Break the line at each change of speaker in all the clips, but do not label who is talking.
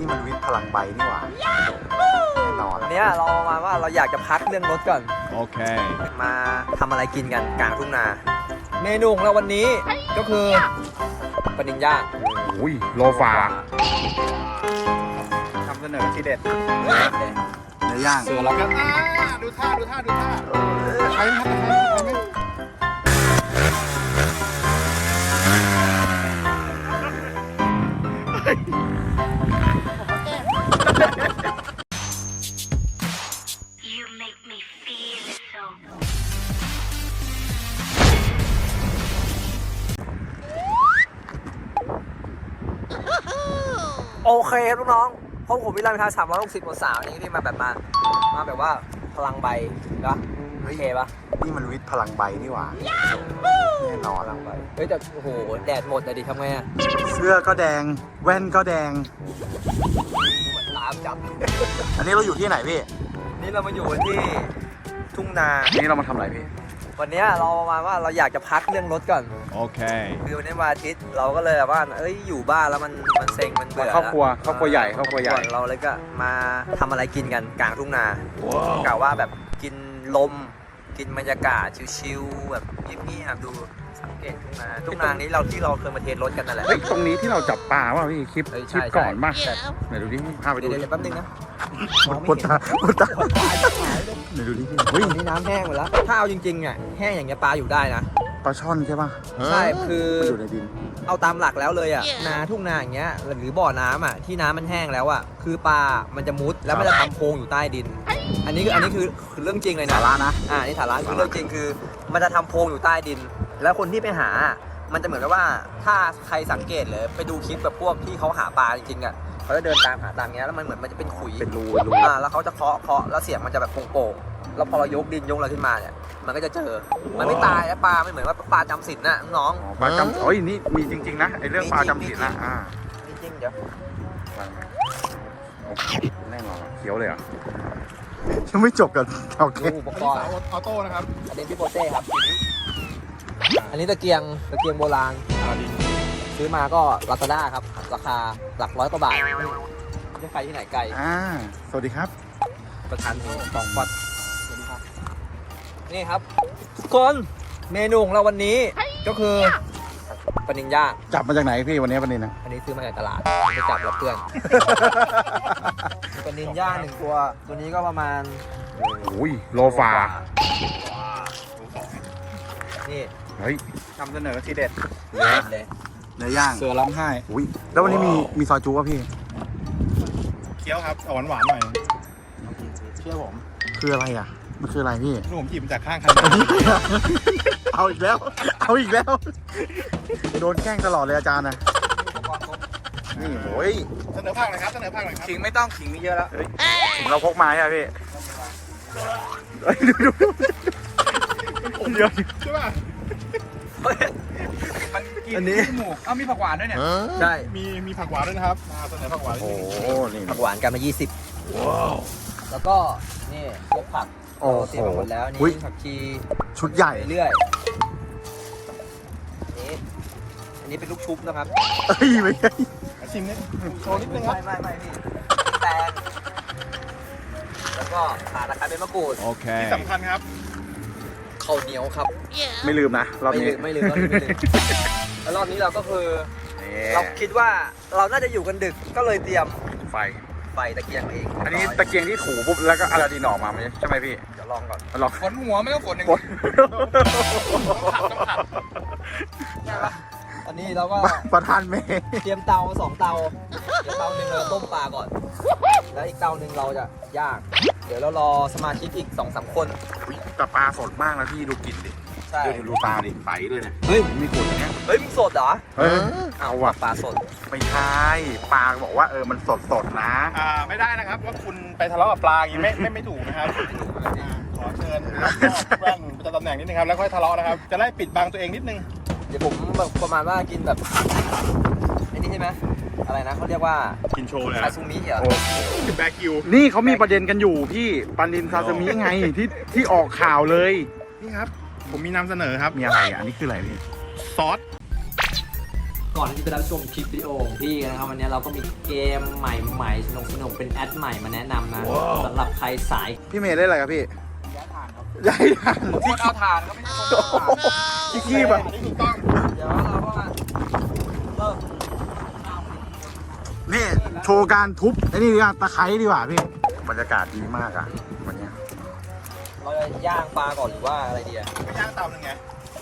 นี่มันวิทย์พลังใบนี่หว่าแน่นอน
เนี้ยเรามาว่าเราอยากจะพักเรื่องรถก่อน
โอเค
มาทำอะไรกินกันกลางทุ่งนา เมนูของเราวันนี้ก็คือปลานิลย่าง
อุ้ยโลฟาทำเสนอทีเด็ดเนื้อย่าง
เสือเราก็
ดูท่าใครครับ
โอเคครับลูกน้องเพราะผมวิลามิทา360องศานี้ที่มาแบบมาแบบว่าพลังใบนะโอเคปะ
นี่มันวิทย์พลังใบนี่หว่าแน่นอน
พลังใบเฮ้ยแต่โอ้โหแดดหมดเลยดิทำไงอะ
เสื้อก็แดงแว่นก็แดง
ตามจับ
อันนี้เราอยู่ที่ไหนพี่
นี่เรามาอยู่ที่ทุ่งนา
นี่เรามาทำอะไรพี่
วันนี้เรามาว่าเราอยากจะพักเรื่องรถก่อน
โอเค
คือวันนี้วันอาทิตย์เราก็เลยแบบว่าเอ้ยอยู่บ้านแล้วมันเซ็งมันเบื่อ
ครอบครัวใหญ่ครอบครัวใหญ่
เราเลยก็มาทำอะไรกินกันกลางทุ่งนากะว่าแบบกินลมกินบรรยากาศชิลๆแบบเงียบๆดูสังเกตทุ่งนานี้เราที่เราเคยมาเทสรถกันนั่นแหละ
เฮ้ยตรงนี้ที่เราจับปลาว่าพี่คลิป
เฮ้ย
คลิป
ใช่
ก่อนป่ะ
ใช่
ไหนดูดิพาไปดู
เดี๋ยวแป๊บนึงนะ
ปวดตาไหนดูดิเฮ้ย
นี่น้ำแห้งหมดแล้วถ้าเอาจริงๆอ่ะแห้งอย่างเงี้ยปลาอยู่ได้นะ
ปลาช่อนใช่ป่ะ
ใช่คือ
มันอยู่ในดิน
เอาตามหลักแล้วเลยอ่ะนาทุ่งนาอย่างเงี้ยหรือบ่อน้ำอ่ะที่น้ำมันแห้งแล้วอ่ะคือปลามันจะมุดแล้วมันจะทำโพรงอยู่ใต้ดิน อันนี้คือเรื่องจริงเลยนะ
สาระนะ
นี่สาระคือเรื่องจริงคือมันจะทำโพรงอยู่ใต้ดิน แล้วคนที่ไปหามันจะเหมือนกับว่าถ้าใครสังเกตเลยไปดูคลิปแบบพวกที่เขาหาปลาจริงๆอ่ะเขาจะเดินตามหาตามเงี้ยแล้วมันเหมือนมันจะเป็นขุย
เป็นรู
แล้วเขาจะเคาะแล้วเสียงมันจะแบบโป่งๆแล้วพอเรายกดินยกอะไรขึ้นมาเนี่ยมันก็จะเจอมันไม่ตายแล้วปลาไม่เหมือนว่าปลาจำศีลน่ะน้อง
ปลาจำโอ้ยนี่มีจริงๆนะไอเรื่องปลาจำศีลนะ
จริงๆเดี๋ยว
แน่นอนเคี้ยวเลยอ่ะยังไม่จบกันโอเค
ดูอุปกรณ์
ออโต้นะครับ
อันนี้พี่โปเต้ครับอันนี้ตะเกียงโบราณซื้อมาก็ลาซาด้าครับราคาหลัก100 กว่าบาทไม่ใช่ใครที่ไหนไกล
สวัสดีครับ
ประธานสองปัดสวัสดีครับนี่ครับทุกคนเมนูของเราวันนี้ก็คือปลานิลย่าง
จับมาจากไหนพี่วันนี้วันนี้นะ
อันนี้ซื้อมาจากตลาดไม่จับรับเพื่อนปลานิลย่าง1 ตัวนี้ก็ประมาณ
อุ้ยโลฟา
นี่
เฮ้ยทำเสนอทีเด็ด
เลย
เนื้อย่าง
เสือร้องไห้
อุ้ยแล้ววันนี้มีซอยจูป่ะพี่
เคี้ยวครับหวานหวานหน่อย เชื่อผม
คืออะไรอ่ะมันคืออะไรพี่
ลูกผมหยิบมาจากข้างคัน
เอาอีกแล้วโดนแกล้งตลอดเลยอาจารย์นะนี่โอ้ย
เสนอภาคหน่อยครับ เสนอภาคหน่อยครับ
ขิงไม่ต้องขิงมีเยอะแล้ว
ถึงเราพกมาใช่ไหมพี่เฮ้ยดูเดี๋ยว
ใช่ป่ะ มันกิน
อันนี้
หมูมีผักหวานด้วยเนี่ย
ใช่
มีผักหวานด้วยนะครับเสนอผักหวาน
โอ้โหนี่
ผักหวานกันมา20แล้วก็นี่พวกผัก
โอ้โห
เตรียมมาหมดแล้วนี่
อุ๊ย
ผักชี
ชุดใหญ่
ไปเรื่อยนี่อันนี้เป็นลูกชุบนะครับ
เอ้ยไม่ใช่
ชิมนิดโชว์นิดนึงครับ
ไม่พี่แตงแล้วก็ข่าตะไคร้ใบมะกรูด
โอเค ที่สำคัญครับ
ข้าวเหนียวครับ
ไม่ลืมนะรอบนี้
ไม่ลืมแล้วรอบนี้เราก็คือ
นี่
เราคิดว่าเราน่าจะอยู่กันดึกก็เลยเตรียม
ไฟ
ไฟตะเกียงมาเอง
อันนี้ตะเกียงที่ถูปุ๊บแล้วก็อาราดินออกมาใช่ไหมพี่
เดี๋ยวลองก่อน
ลอง
ฝนหัวไม่ต้องฝนหนึ่ง
กด
ได้ปะอันนี้เราก็
ประธานเมย์
เตรียมเตา2 เตาเดี๋ยวเตาหนึ่งเราต้มปลาก่อน แล้วอีกเตาหนึ่งเราจะย่างเดี๋ยวเรารอสมาชิกอีก2-3 คน
แต่ปลาสดมากนะพี่ดูกลิ่นดิ
ใช่
ดูตาดิใสด้วยเนี่ย
เฮ้ย
มีกลิ่นอย่างเงี้ย
เฮ้ยมึงสดเหรอ
เฮ้ยเอาว่ะ
ปลาสด
ไม่ใช่ปลาบอกว่ามันสดนะ
ไม่ได้นะครับว่าคุณไปทะเลาะกับปลาอย่างนี้ไม่ถูกนะครับ ขอเชิญรับมอบแว่นประจำตำแหน่งนิดนึงครับแล้วค่อยทะเลาะนะครับ จะไล่ปิดบังตัวเองนิดนึง
เดี๋ยวผมแบบประมาณว่ากินแบบไอ้นี่ใช่ไหมอะไรนะเขาเรียกว่า
กินโชว์เลย
ซาซูมิเหรอ
แบคิว
นี่เขามีประเด็นกันอยู่พี่ปลานินซาซิมิไงที่ออกข่าวเลย
นี่ครับ ผมมีนำเสนอครับ
มีอะไรอ่ะอันนี้คืออะไรพี่
ซอส
กก่อนที่จะไปรับชมคลิปวิดีโอของพี่นะครับวันนี้เราก็มีเกมใหม่ๆสนุกๆเป็นแอดใหม่มาแนะนำนะสำหรับใครสาย
พี่เมย์ได้อะไรครับพี่ย้ายถ่านครับย้ายถ่าน
คนเอาถ่านก็ไม่ใช่คนเอาถ่าน
ที่ขี้ป่ะ
อันนี้ถูกต้อง
เดี๋ยวเราก็มาเริ่ม
นี่โชว์การทุบไอ้นี่ดีกว่าตะไคร้ดีกว่าพี่บรรยากาศดีมากอ่ะวันเนี้ย
เราจะย่างปลาก่อนหรือว่าอะไรดีอะ
ไม่ย่างเตาหนึ่งไง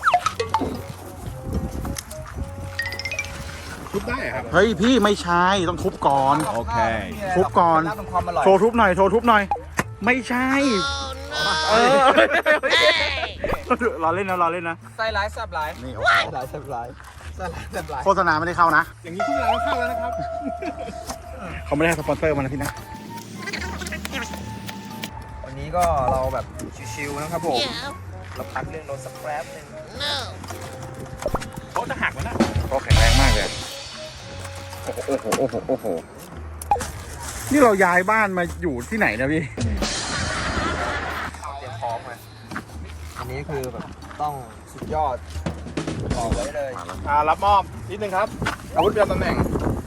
ทุบได้เหรอครับ
เฮ้ยพี่ไม่ใช่ต้องทุบก่อน
โอเค
ทุบก่อน
รับความอร่อย
โชว์ทุบหน่อยโชว์ทุบหน่อย ไม่ใช่เออรอเล่นนะรอเล่นนะ
ไส้ร้ายแซ่บร้าย
นี่
ไส้ร้ายแซ่บร้ายไส้ร้ายแซ่บร้าย
โฆษณาไม่ได้เข้านะ
อย่างนี้ทุกร้านก็เข้าแล้วนะครับ
เขาไม่ได้ให้สปอนเซอร์มานะพี่นะ
วันนี้ก็เราแบบชิวๆนะครับผมเราพักเรื่องรถสักแป๊บนึง
เขาจะหักมันนะ
เขาแข็งแรงมากเลยโอ้โหโอ้โหโอ้โหโอ้โหนี่เราย้ายบ้านมาอยู่ที่ไหนนะพี่
เตรียมพร้อมไงอันนี้คือแบบต้องสุดยอดบอกไว้เลย
รับมอบนิดนึงครับอาวุธประจำตำแหน่ง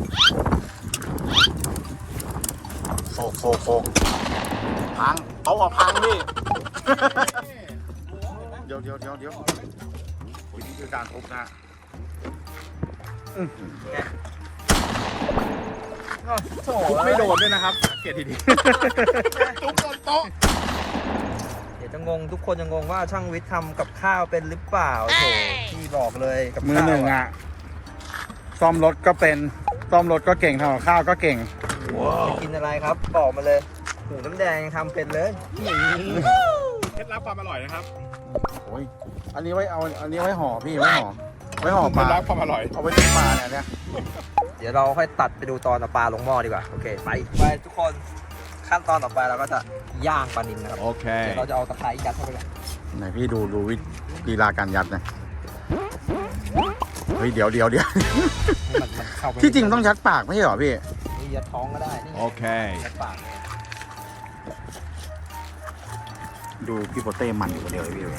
โฟกพังเขาบอกพังพี่ เดี๋ยวโอ้ยนี่คือการทุบนะทุบไม่โดนด้วยนะครับสังเกตดีๆทุบโดนโต๊ะ
เดี๋ยวจะงงทุกคนจะงงว่าช่างวิทย์ทำกับข้าวเป็นหรือเปล่าโถพี่บอกเลยกับ
มือ
ข้าว
หนึ่งอ่ะซ่อมรถก็เป็นซ่อมรถก็เก่งทำกับข้าวก็เก่ง
จะกินอะไรครับบอกมาเลยหูน้ำแดงยังทำเป็นเลย
เคล็ดลับความอร่อยนะครับ
โอ้ยอันนี้ไว้เอาอันนี้ไว้ห่อพี่ไว้ห่อป
เคล็ดลั
ลา
บความอร่อย
เอาไว้ทิ้งปลาเนี่ย
เดี๋ยวเราค่อยตัดไปดูตอนเอาปลาลงหม้อดีกว่าโอเคไปทุกคนขั้นตอนต่อไปเราก็จะย่างปลานิลนะครับ
โอเค
เดี๋ยวเราจะเอาตะไคร้ยัดเข้าไปก่อน
ไหนพี่ดูวิธีลีลาการยัดนะเฮ้ยเดี๋ยว
ให้มันเข้าไป
ที่จริงต้องยัดปากไม่ใช่เหรอพี่
นี่ยัดท้องก็ได้นี่
โอเค
ยัดปากเนี่ย
ดูพี่โปเต้มันอยู่คนเดียวเลยพี่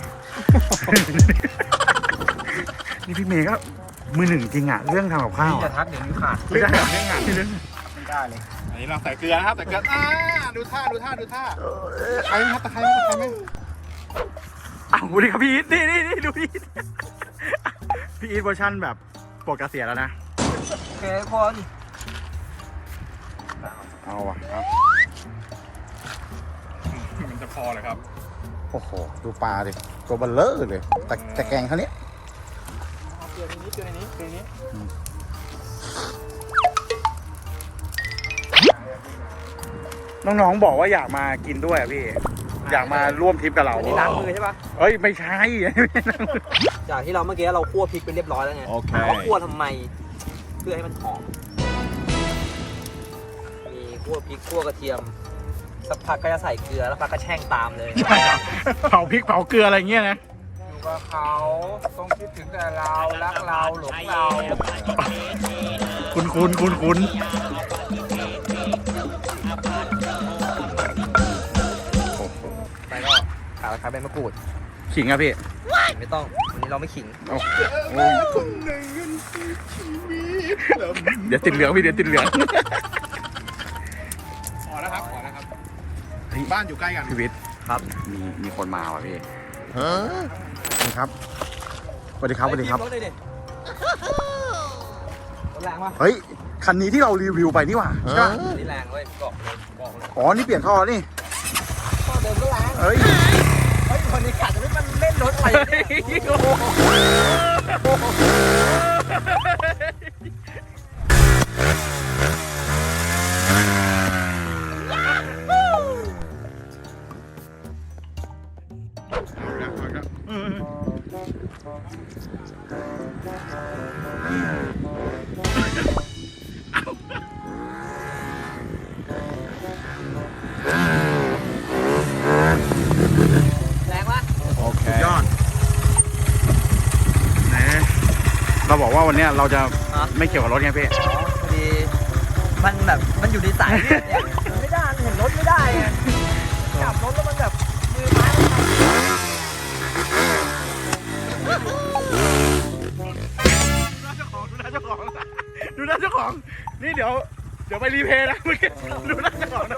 นี่พี่เมย์ก็มือหนึ่งจริงอ่ะเรื่องทำกับข้าว
นี่จะ
อะ
ทักเดี๋ยวนี้ขาด
ไม่ได้เรื่องงานที่เรื่อง
ไม่ได้เลย อันนี้เราใส่เกลือนะครับใส่เกลือดูท่าตะไคร้ครับตะไคร้ไหม
อ้าวดีครับพี่อีทนี่ดูพี่อีทพี่อีทเวอร์ชันแบบปลดเกษียณแล้วนะ
โอเคทุกคน
เอาว่ะครับ
มันจะพอเลยครับ
โอ้โหดูปลาดิตัวเบลเลอร์เลยแต่แกงเขาเนี้ย
เกลือในนี้
น้องๆบอกว่าอยากมากินด้วยอ่ะพี่ อยากมาร่วมทริปกับเรา
อันนี้ล้างมือใช่ปะ
เอ้ยไม่ใช่
จากที่เราเมื่อกี้เราคั่วพริกไปเรียบร้อยแล้วไง
โอเค
เราคั่วทำไมเพื่อให้มันหอมมีคั่วพริกคั่วกระเทียมสักพักก็จะใส่เกลือแล้วพักก็แช่งตามเลย
เผาพริกเผาเกลืออะไรเงี้ยนะ
อยู่กับเขาต้องคิดถึงแต่เรารักเราหลงเรา
คุณ
ไปก็ขาตะไคร้ใบมะกรูด
ขิงอะพี่
ไม่ต้องวันนี้เราไม่ขิง
โอ้ยเดี๋ยวติดเหลืองพี่เดี๋ยวติดเหลือง
พอแล้วครับบ้านอยู่ใกล้กัน
พี่วิทย์
ครับ
มีคนมาว่ะพี่สวัสดีครับสวัสดีครับ
รถเลยดิรถแรงปะ
เฮ้ยคันนี้ที่เรารีวิวไปนี่หว่าใช่ปะ
นี่แรงเว้ยบอกเลย
อ๋อนี่เปลี่ยนท่อนี่
ข้อเดิมก็แรง
เฮ้ย
เฮ้ยวันนี้กะจะไม่มันเล่นรถไปแรงปะ
โอเค
ยอดไหนเราบอกว่าวันเนี้ยเราจะไม่เกี่ยวกับรถไงพี่
พอดีมันแบบมันอยู่ในสายเลือดเนี่ยมันไม่ได้มันเห็นรถไม่ได้ไงจับรถแล้วมันแบบมือไม้มันทำ
เจ้าของของนี่เดี๋ยวไปรีเพลย์นะเมื่อกี้ดูหน้าเจ้าของนะ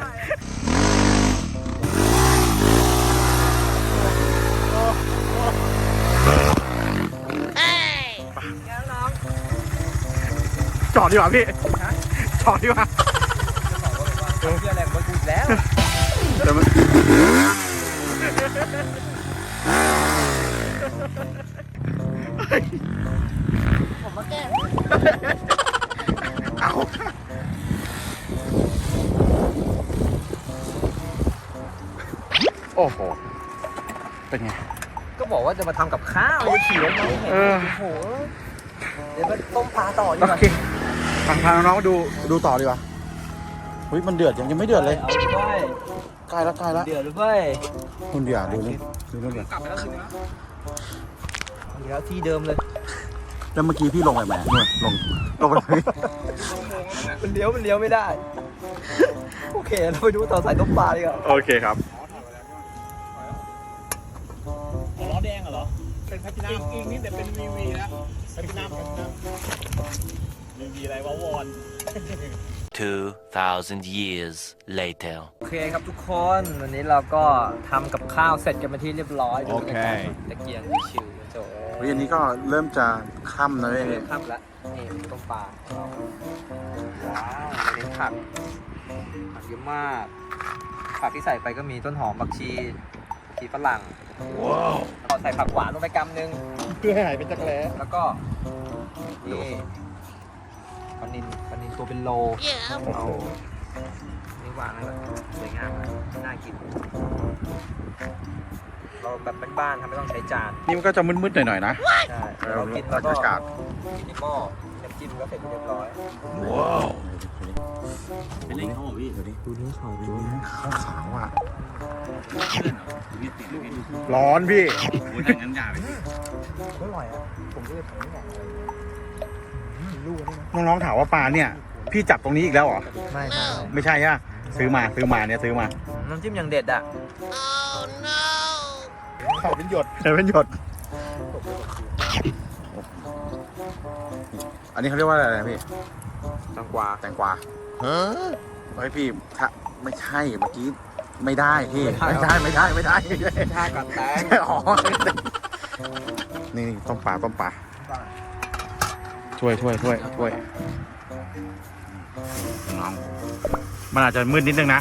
น้อง
จอดดีกว่าพี่จอดดีกว่า
เชื่อแรงมากูแล้ว
เดี๋ยวมันผมมาแก้เอาโอ้โหเป็นไง
ก็บอกว่าจะมาทำกับข้าวจะขี่รถมาไม่เห็น
เออ
โอ้โหเดี๋ยวไปต้มปลาต่อดีก
โอ
ว่า
เคพาน้องๆดูต่อดีกว่าเฮ้ยมันเดือดยังไม่เดือดเลย
เอาด้วย
ใกล้แล้ว
เดือดด้วย
คุณเดือดดูนี่ดูนู่นเดือด
กลับไปแล้วคืนนี้นะ
อีกแล้วที่เดิมเลย
แล้วเมื่อกี้พี่ลงไปไหมนู่นลงไปไหน
มันเลี้ยวไม่ได้ โอเคเราไปดูต่อสายต้มปลาดีกว่า
โอเคครับ
ล้อแดงเหรอเป็นแพทินัมอีกนิดแต่เป็นวีแล้วแพทินัมวีอะไรวะวอน
2,000 years later.
โอเคครับทุกคนวันนี้เราก็ทำกับข้าวเสร็จกันมาที่เรียบร้อยโอเคตะเกียงชิวๆโจ้
วันนี้ก็เริ่มจะค่ำแล้วเว้ย
ข้ามละนี่ต้มปลาว้าวอันนี้ผักเยอะมากผักที่ใส่ไปก็มีต้นหอมผักชีฝรั่งเราใส่ผักหวานลงไปกำนึง
เพื่อให้หายเป็นจักรแล้
แล้วก็นี่ปลานินตัวเป็นโลเอานี่วางให้แบบสวยงามนะน่ากิน เราแบบบ้านๆทำไม่ต้องใช้จาน
นี่มันก็จะมืดๆหน่อยๆนะ
ใช่เรากินแล้วก็
บรรยากาศ
กินในหม้อน้ำจิ้มก็เสร็จเรียบร้อย
เป็นเล้งเขาเหรอพี่ดูนี่ขาวดูนี่ขาวอ่ะร้อนพี่
อร่อยอ่ะผมก็เลยทำไม่ได้ลูกนี่นะ
น้องๆถามว่าปลาเนี่ย พี่จับตรงนี้อีกแล้วเหรอ
ไม่ใช่
ไม่ใช่ฮะซื้อมาเนี่ยซื้อมา
น้ำจิ้มอย่างเด็ดอ่ะ
เขาเป็นหยด
แต่เป็นหยด อันนี้เขาเรียกว่าอะไรนะพี่
ตังกวา
แตงกวาเฮ้ยพี่ถ้าไม่ใช่เมื่อกี้ไม่ได้พี่ไม่ได้
ชากับแตง
อ๋อนี่ต้มปลาช่วยน้องมันอาจจะมืดนิดนึงนะ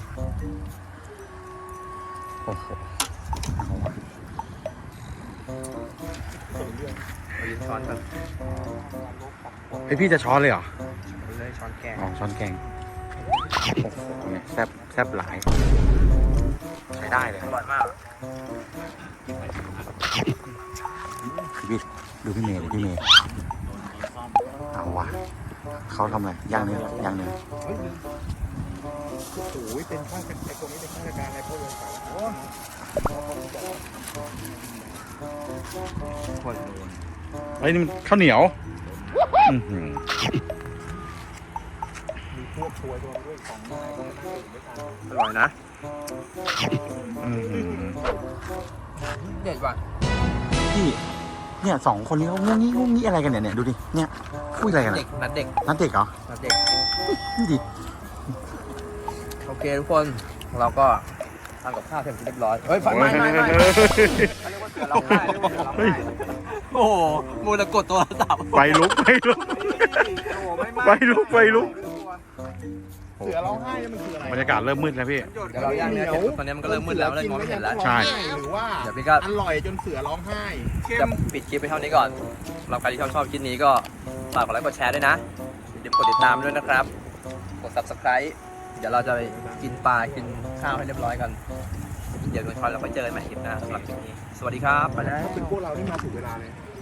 โอ้โห
ยืนช้อนกัน
เฮ้ยพี่จะช้อนเลยเหรอ
เลยช้อนแกง
อ๋อช้อนแกงโอ้โหเนี่ยแซ่บหลายใช้ได้เลย
อร่อยมาก
พี่ดูพี่เมย์เอาว่ะเขาทำอะไรย่างเนื้อ
โอ้ยเป็นข้าเป็นไอ้ตรงนี้เป็นข้าราชการอะไรพวกเรื่องต่างๆโอ้
คน
เฮ้ยนี่มันข้าวเหนียวอื้อหือ
มีพวกทัวร์ด้วยของไม้ก็น่าตื่นด้วยกัน
อร่อยนะ
อื้อหือ
เด็ดว่ะ
พี่เนี่ยสองคนนี้เขางุ้งงี้อะไรกันเนี่ยดูดิเนี่ยคุยอะไรกัน
เด็กนัดเด็ก
นัดเด็กเหรอ
นัดเด็ก
นี่ดิ
โอเคทุกคนเราก็ทำกับข้าวเสร็จเรียบร้อยเฮ้ยไม่
เฮ้ย
เขาเรียกว่าเสือร้องไห้โอ้โหมูจะกดตัวสับ
ไฟลุก
ไฟลุกเสือร้องไห้นี่มันคืออะไร
บรรยากาศเริ่มมืดแล้วพี่
เดี๋ยวเราย่างเนื้อเสร็จตอนนี้มันก็เริ่มมืดแล้วเลยมองไม่เห็นแล้ว
ใช่
หรือว่า
เดี๋ยวพี่ก็
อร่อยจนเสือร้องไห้
จะปิดคลิปไปเท่านี้ก่อนสำหรับใครที่ชอบคลิปนี้ก็ฝากกดไลค์กดแชร์ด้วยนะอย่าลืมกดติดตามด้วยนะครับกด subscribe เดี๋ยวเราจะไปกินปลากินข้าวให้เรียบร้อยกันเดี๋ยวเราค่อยเจอกันใหม่คลิปหน้าสำหรับคลิปนี้สวัสดีครับไปแล้ว
ถ้าเป็นพวกเรานี่มาถูกเวลาเลย